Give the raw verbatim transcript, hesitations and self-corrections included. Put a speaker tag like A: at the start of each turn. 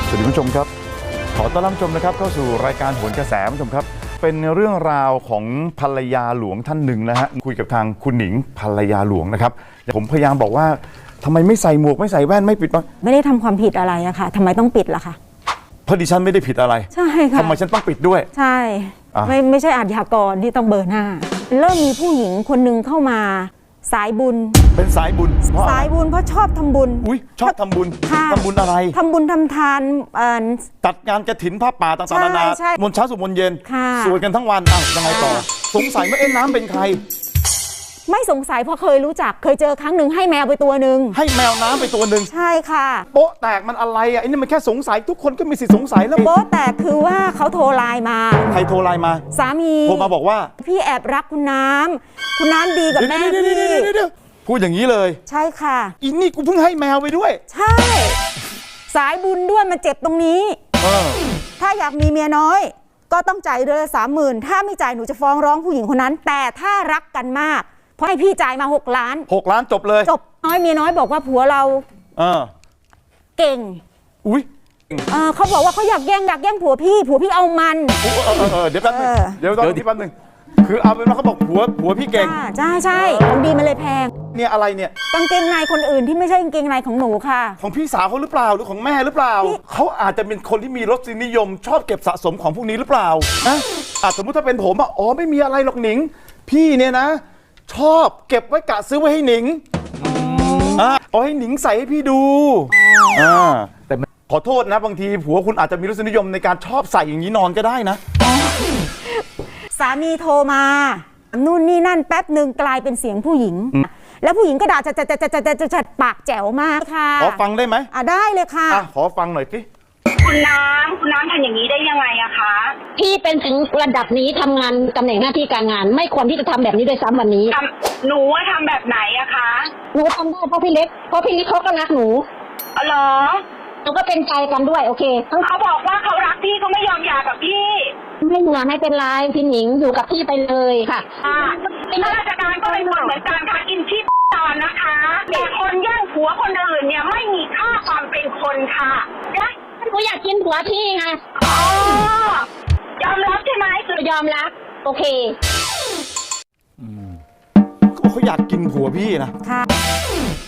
A: สวัสดีผู้ชมครับขอต้อนรับผู้ชมนะครับเข้าสู่รายการโหนกระแสผู้ชมครับเป็นเรื่องราวของภรรยาหลวงท่านหนึ่งนะฮะคุยกับทางคุณหนิงภรรยาหลวงนะครับผมพยายามบอกว่าทำไมไม่ใส่หมวกไม่ใส่แว่นไม่ปิดบัง
B: ไม่ได้ทำความผิดอะไรอะค่ะทำไมต้องปิดล่ะคะ
A: เพราะดิฉันไม่ได้ผิดอะไร
B: ใช่ค่ะ
A: ทำไมฉันต้องปิดด้วย
B: ใช่ไม่ไม่ใช่อาชญากรที่ต้องเบอร์หน้าเริ่มมีผู้หญิงคนหนึ่งเข้ามาสายบุญ
A: เป็นสายบุญ
B: สายบุญเพราะชอบทำบุญ
A: อุ้ยชอบทำบุญทำบุญอะไร
B: ทำบุญทำทาน
A: จัดงานกฐินผ้าป่าต่างๆนานามนเช้าสุมนเย็นสวดกันทั้งวันอ่ะยังไงต่อสงสัยว่าเอ็นน้ำเป็นใคร
B: ไม่สงสัยเพราะเคยรู้จักเคยเจอครั้งหนึ่งให้แมวไปตัวหนึ่ง
A: ให้แมวน้ำไปตัวหนึ่ง
B: ใช่ค่ะ
A: โป๊ะแตกมันอะไรอ่ะไอ้นี่มันแค่สงสัยทุกคนก็มีสิทธิ์สงสัยแล้ว
B: โป๊ะแตกคือว่าเขาโทรไลน์มา
A: ใครโทรไลน์มา
B: สามี
A: โทรมาบอกว่า
B: พี่แอบรักคุณน้ำคุณน้ำดีกับแม่พี่
A: พูดอย่างนี้เลย
B: ใช่ค่ะ
A: อีนี่กูเพิ่งให้แมวไปด้วย
B: ใช่สายบุญด้วยมาเจ็บตรงนี้ถ้าอยากมีเมียน้อยก็ต้องจ่ายเดือนละสามหมื่นถ้าไม่จ่ายหนูจะฟ้องร้องผู้หญิงคนนั้นแต่ถ้ารักกันมากเพราะให้พี่จ่ายมาหกล้าน
A: หกล้านจบเลย
B: จบน้อยเมียน้อยบอกว่าผัวเรา
A: เออ
B: เก่ง
A: อุ้ย
B: เออเขาบอกว่าเขาอยากแย่งอยากแย่งผัวพี่ผัวพี่เอามัน
A: เออเออเดี๋ยวแป๊บนึงเดี๋ยวตอนนี้แป๊บนึงคือเอาเป็นว่าเขาบอกผัวผัวพี่เก่ง
B: ใช่ใช่ของดีมันเลยแพง
A: เนี่ยอะไรเนี่ย
B: กางเกงในคนอื่นที่ไม่ใช่กางเกงในของหนูค่ะ
A: ของพี่สาวเขาหรือเปล่าหรือของแม่หรือเปล่าเขาอาจจะเป็นคนที่มีรสนิยมชอบเก็บสะสมของพวกนี้หรือเปล่านะอาจสมมติถ้าเป็นผมอ่ะอ๋อไม่มีอะไรหรอกหนิงพี่เนี่ยนะชอบเก็บไว้กะซื้อไว้ให้หนิงอ่าเอาให้หนิงใส่ให้พี่ดูอ่าแต่ขอโทษนะบางทีผัวคุณอาจจะมีรสนิยมในการชอบใส่อย่างนี้นอนก็ได้นะ
B: สามีโทรมานู่นนี่นั่นแป๊บหนึ่งกลายเป็นเสียงผู้หญิงแล้วผู้หญิงก็ด่าจัดจัดจัดจัดจัดจัดปากแจ๋วมากค่ะ
A: ขอฟังได้ไหม
B: อ่ะได้เลยค่ะ
A: อ่ะขอฟังหน่อยสิ
C: คุณน้ำคุณน้ำทำอย่างนี้ได้ยังไงอะคะ
D: พี่เป็นถึงระดับนี้ทำงานตำแหน่งหน้าที่การงานไม่ควรที่จะทำแบบนี้ด้วยซ้ำวันนี้
C: หนูว่าทำแบบไหนอะคะ
D: หนูทำได้เพราะพี่เล็กเพราะพี่เล็กเขาก็รักหนู
C: อ๋อเหรอ
D: หนูก็เป็นใจกันด้วยโอเค
C: เขาบอกว่าเขารักพี่เขาไม่ยอมหย่ากับพี่
D: ไม่เหลือไม่เป็นไรพี่หนิงอยู่กับพี่ไปเลยค่ะ
C: อ่าข้าราชการก็เป็นคนเหมือนกันค่ะกินชีพตอนนะคะแต่คนแย่งผัวคนอื่นเนี่ยไม่มีค่าความเป็นคนค่ะ
D: หนูอยากกินผัวพี่ไง
C: อ๋อยอมรับใช่ไหม
D: คือยอมรับโอเค
A: อืมเขาอยากกินผัวพี่นะ
B: ค่ะ